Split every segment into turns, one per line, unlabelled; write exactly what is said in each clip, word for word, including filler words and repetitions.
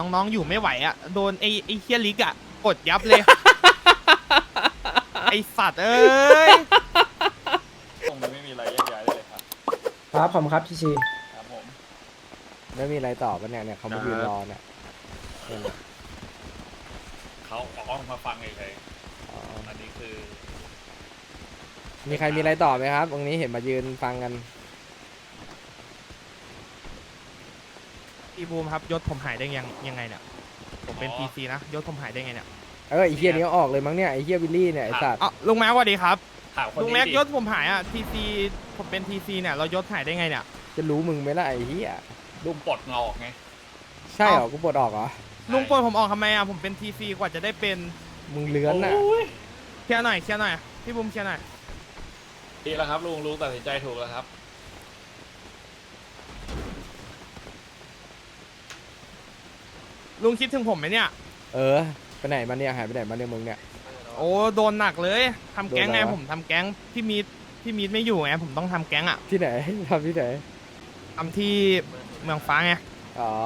น้องๆอยู่ไม่ไหวอ่ะโดนไอ้ไอ้เฮียลิกอ่ะกดยับเลย ไอ้สัตว์เอ้ย
ตรงนี้ไม่มีอะไรแยกย้ายได้เลยครับ
ครับผมครับพี่ชี
ครับผม
ไม่มีอะไรต่อปะเนี่ยเนี่ยเขามายืนรอเนี่ยเนี่ย
เขาออกมาฟังเฉย
อ๋อ
ๆอันนี้คือ
มีใครมีอะไรต่อไหมครับ ตรงนี้เห็นมายืนฟังกัน
พี่บูมครับยศผมหายได้ยังยังไงเนี่ยผมเป็นพีซีนะยศผมหายได้ไงเนี่ย
เออไอเฮียนี้ออกเลยมั้งเนี่ยไอเฮียวิลลี่เนี่ยไอสัตว์
อ๋อลุงแม็กสวัสดีครับ
ถามคน
ลุง
นี้
แม็ก
ดิ
ยศผมหายอ่ะทีซีผมเป็นทีซีเนี่ยเรายศหายได้ไงเนี่ย
จะรู้มึงไหมล่ะไอเฮีย
ลุงปลดเงาออกไง
ใช่เหรอกูปลดออกเหรอ
ลุงปลดผมออกทำไมอ่ะผมเป็นทีซีกว่าจะได้เป็น
มึงเลื้อนน่ะ
โอ้ย
เคลียร์หน่อยเคลียร์หน่อยพี่บูมเคลียร์หน่อย
ดีแล้วครับลุงลุงตัดสินใจถูกแล้วครับ
ลุงคิดถึงผมไหมเนี่ย
เออไปไหนมาเนี่ยหายไปไหนมาเนี่ยมึงเนี่ย
โอ้โดนหนักเลยทำแก๊งไง
โดนอะไรวะ
ผมทำแก๊งพี่มีดพี่มีดไม่อยู่ไงผมต้องทำแก๊งอ่ะ
ที่ไหน ทำที่ไหน
ทำที่เมืองฟ้าไง
อ๋อ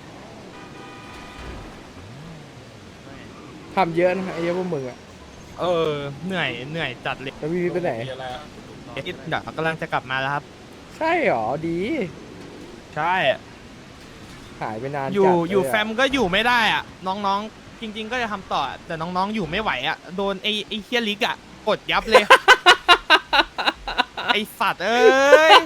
ทำเยอะนะไอ้เหี้ยพวกมึงอะ
เออเหนื่อยเหนื่อยจัดเลย
แล้วพี่วิทย์ไปไหน
มีอะไรอะ
เดี๋ยวกำลังจะกลับมาแล้วครับ
ใช่เหรอดี
ใช่
หายไปนาน
อยู่
จัดเล
อยู่
ะ
แฟมก็อยู่ไม่ได้อ่ะน้องๆ จริง ๆ ก็จะทำต่อแต่น้องๆอยู่ไม่ไหวอ่ะโดนไอ้ไอ้เฮียลิกอ่ะกดยับเลย ไอ้สัตว์เอ้ย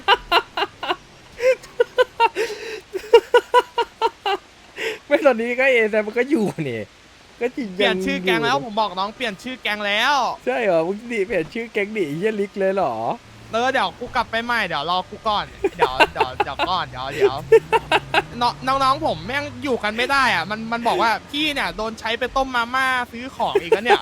ไม่ตอนนี้ก็เอแต่มันก็อยู่นี่ก็จริง
เปลี่ยนชื่อแก๊งแล้ว
ยู่
ผมบอกน้องเปลี่ยนชื่อแก๊งแล้ว
ใช่เหรอมึงดิเปลี่ยนชื่อแก๊งดิเฮียลิกเลยเหรอ
เออเดี๋ยวกูกลับไปใหม่เดี๋ยวรอกูก่อนเดี๋ยวเดี๋ยวเดี๋ยวก่อนเดี๋ยวเดี๋ยวน้องน้องๆผมแม่งอยู่กันไม่ได้อ่ะมันมันบอกว่าพี่เนี่ยโดนใช้ไปต้มมาม่าซื้อของอีกแล้วเนี่ย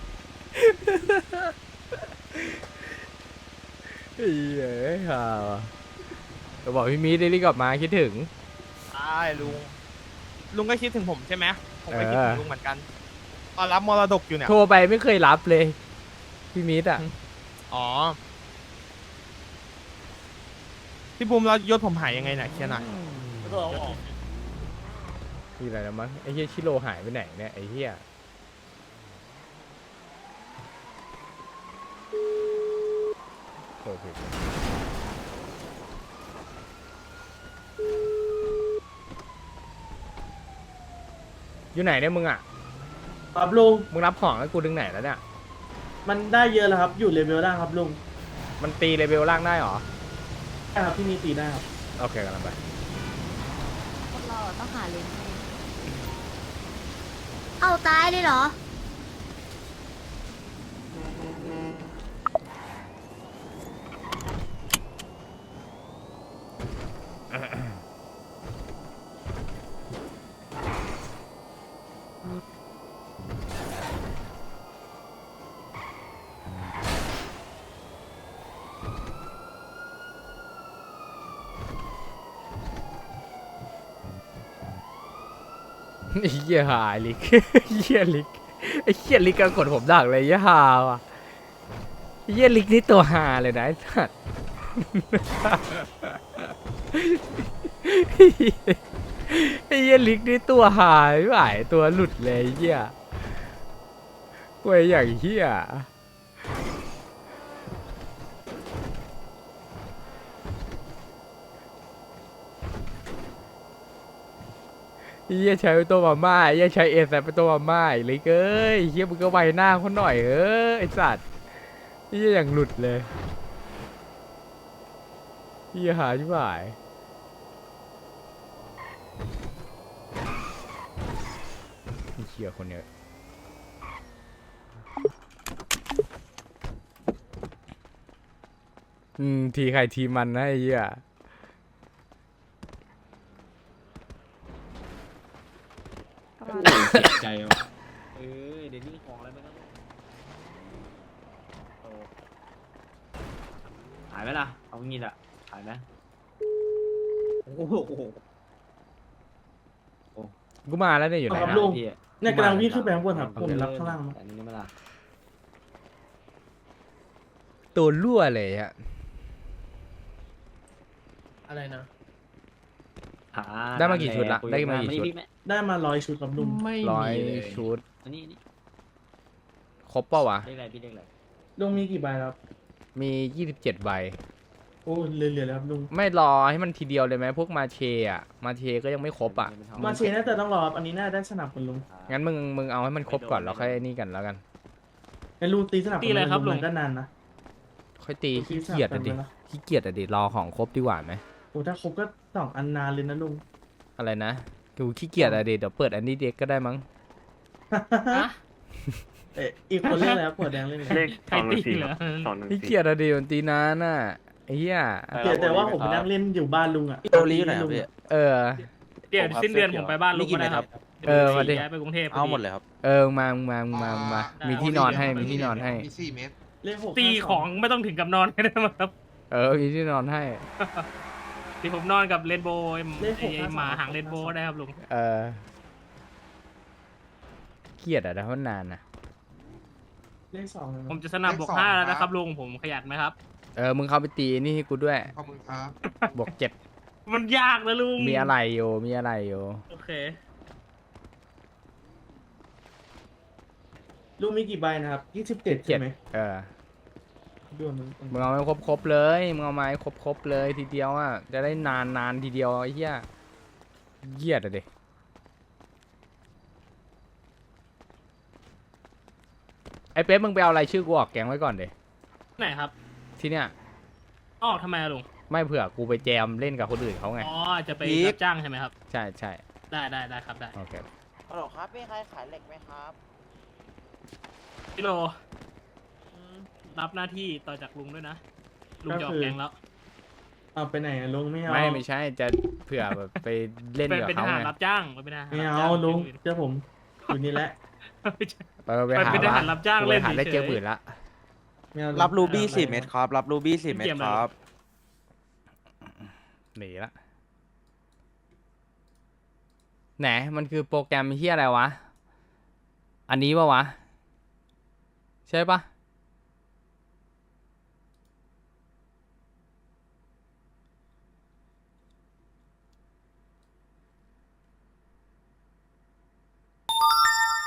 เฮ้ยฮ่าก็บอกพี่มีได้รีบกลับมาคิดถึง
ใช่ลุงลุงก็คิดถึงผมใช่ไหมผมก็คิดถึงลุงเหมือนกันตอนรับมรดกอยู่เนี่ย
โทรไปไม่เคยรับเลย พี่มีดอ่ะ
อ๋อพี่บูมแล้วยศผมหายยังไงเนี่ยเคลียร์หน่อย
แล้วก็เอาออก
มีอะไรนะมั้งไอ้เฮียชิโร่หายไปไหนเนี่ยไอ้เฮียโทรผิดอยู่ไหนเนี่ยมึงอ่ะ
ครับลุง
มึงรับของให้กูถึงไหนแล้วเนี่ย
มันได้เยอะแล้วครับอยู่เลเวลล่างครับลุง
มันตีเลเวลล่างได้เหรอ
ใช่ครับที่มีตีได้ครับ
โอเคกำลังไป
พวกเราต้องหาเลนให้เอาตายเลยเหรอ
ไอ้เหี้ยหายลิก ไอ้เหี้ยลิกไอ้เหี้ยลิกก็กดผมดักเลยไอ้เหี้ยหาว่ะไอ้เหี้ยลิกนี่ตัวหาเลยนะไอ้สัส ไอ้เหี้ยลิกนี่ตัวหายไม่ไหวตัวหลุดเลยไอ้เหี้ยกวยอย่างเหี้ยไอ้เหี้ยใช้เป็นตัวมาม่าไอ้เหี้ยใช้เอสเป็นตัวมาม่าไอ้ลิกเอ้ยไอ้เหี้ยมึงก็ไวหน้าคนหน่อยเออไอ้สัตว์ไอ้เหี้ยอย่างหลุดเลยไอ้เหี้ยหาชิบหายไอ้เหี้ยคนเนี้ยอืมทีใครทีมันนะไอ้เหี้ย
เสียใจว่ะเออเดี๋ยวนี้ของอะไรไม่ต้องโอ้หายไหมล่ะ เอางี้ละหายไหมโอ้โห
กูมาแล้วเนี่ยอยู่ไหน
ครับ
นะ
ลุง
พี่
เนี่ยกำลังวิ่งขึ้นไปข้างบนครับผมรับข้างล่าง
อันนี้ไม่ล่ะ
ตัวรั่วเลยอะ
อะไรนะ
หอ่
ได้มากี่ชุดละ
คุย
ได้มากี่
น
ชุด
พี่แม่
ได้มาร้อยชุดครับลุง
ไม่
ร้อย
มีเลย
ชุด
อันนี้อันนี้
ครบเปล่าวะ
เลขอะไรพี่เลขอะไร
ลุงมีกี่ใบครับ
มียี่สิบเจ็ดใบ
โอ้เหลือๆแล้วครับลุง
ไม่รอให้มันทีเดียวเลยไหมพวกมาเชอะมาเชก็ยังไม่ครบอ่ะ
มาเชน่าจะต้องรอครับอันนี้น่าได้สนับคุณลุง
งั้นมึงมึงเอาให้มันครบก่อนแล้วค่อยนี่กันแล้วกัน
ไอ้ลุงตีสนับ
ตีอะไรครับลุง
มันก็นานนะ
ค่อยตี
ตี
ขี้
สนับ
เกียจ
กั
อะ
น
ดิ
ไหมล่ะ
ขี้เกียจอะดิรอของครบดีกว่าไหม
โอ้ถ้าครบก็สองอันนานเลยนะลุง
อะไรนะกูขี้เกียจอะดิเดี๋ยวเปิดอันนี้เด็กก็ได้มั้ง
อะ
เอ๊ะอีกคนเล่นอะไรครับขวดแดงเล่นอะไร
เลข
ใครตีเหรอ
สองหนึ่ง
ขี้
สี่
เกียจอะดิมันตีนานน่ะไอ้เหี้ย
แต่แต่ว่าผมไปนั่งเล่นอยู่บ้านลุงอ่ะ
พี่โอลีอยู่ไหนครับพี่
เออ
เดี๋ยวสิ้นเดือนผมไปบ้านลุงก็ได้ครับ
เออมาดิ
ย้ายไปกรุงเทพ
เอาหมดเลยครับ
เออมามึงมามึงมามึงมามีที่นอนให้มีที่นอนให้
มีสี่เมตร
เลขหก
ตีของไม่ต้องถึงกับนอนก็ได้มั้งครับ
เออมีที่นอนให้
ที่ผมนอนกับเรนโบว์ไอ้ไอ้ไอ้หมาหางเรนโบว์ได้ครับลุง
เออเกลียดอะนะเพราะนานนะ
เลขสองเลย
ผมจะสนับบวกห้าแล้วนะครับลุงผมขยันไหมครับ
เออมึงเข้าไปตีนี่ให้กูด้วย
ขอบคุณครับ
บวกเจ็ด
มันยากนะลุง
มีอะไรอยู่มีอะไรอยู่
โอเค
ลุงมีกี่ใบนะครับยี่สิบเจ็ด
เจ็
ใช่
ด
ไหม
เออ
ดูมัน
มึงเอาให้ครบครบๆเลยมึงเอามาให้ครบครบๆเลยทีเดียวอ่ะจะได้นานนานทีเดียวไอ้เหี้ยเหี้ยดอะดิไอ้เป๊ปมึงไปเอาอะไรายชื่อกูออกแกงไว้ก่อนเดย
ไหนครับ
ที่เนี้ย
อ๋อทำไมอะลุง
ไม่เผื่อกูไปแจมเล่นกับคนอื่นเขาไง
อ๋อจะไป
อีก
รับจ้างใช่ไหมครับ
ใช่ใช่
ได้ได้ได้ครับได้
โอเค
ฮัลโหลครับมีใครขายเหล็กไหมครับ
พี่โลรับหน้าที่ต่อจากลุงด้วยนะลุงจะออกแกงแล้ว
เอาไปไหนอะลุงไม่เอา
ไม่ไม่ใช่จะเผื่อแบบไปเล่น
เป็น
กับ
เป็นท
เขา
หาร
ไง
รับจ้างเป็นทหาร
ไม่
รับ
เอา
จ้าง
ลุง
ที่อื่น
เจ้าผมอยู่นี่แหละ
ไม่ใช่
เออไปหา
เป็นทหารรับจ้าง
กู
เล่
ไป
น
หาได้
เฉยๆ
เจอปืนละ
ไม่เอา
รับรูบี้
ไม่เอา
สี่เม็ดครับ รับรูบี้สี่เม็ด
เกมอะไร
ครับ
หนีละไหนมันคือโปรแกรมเฮียอะไรวะ อันนี้ปะวะ ใช่ปะ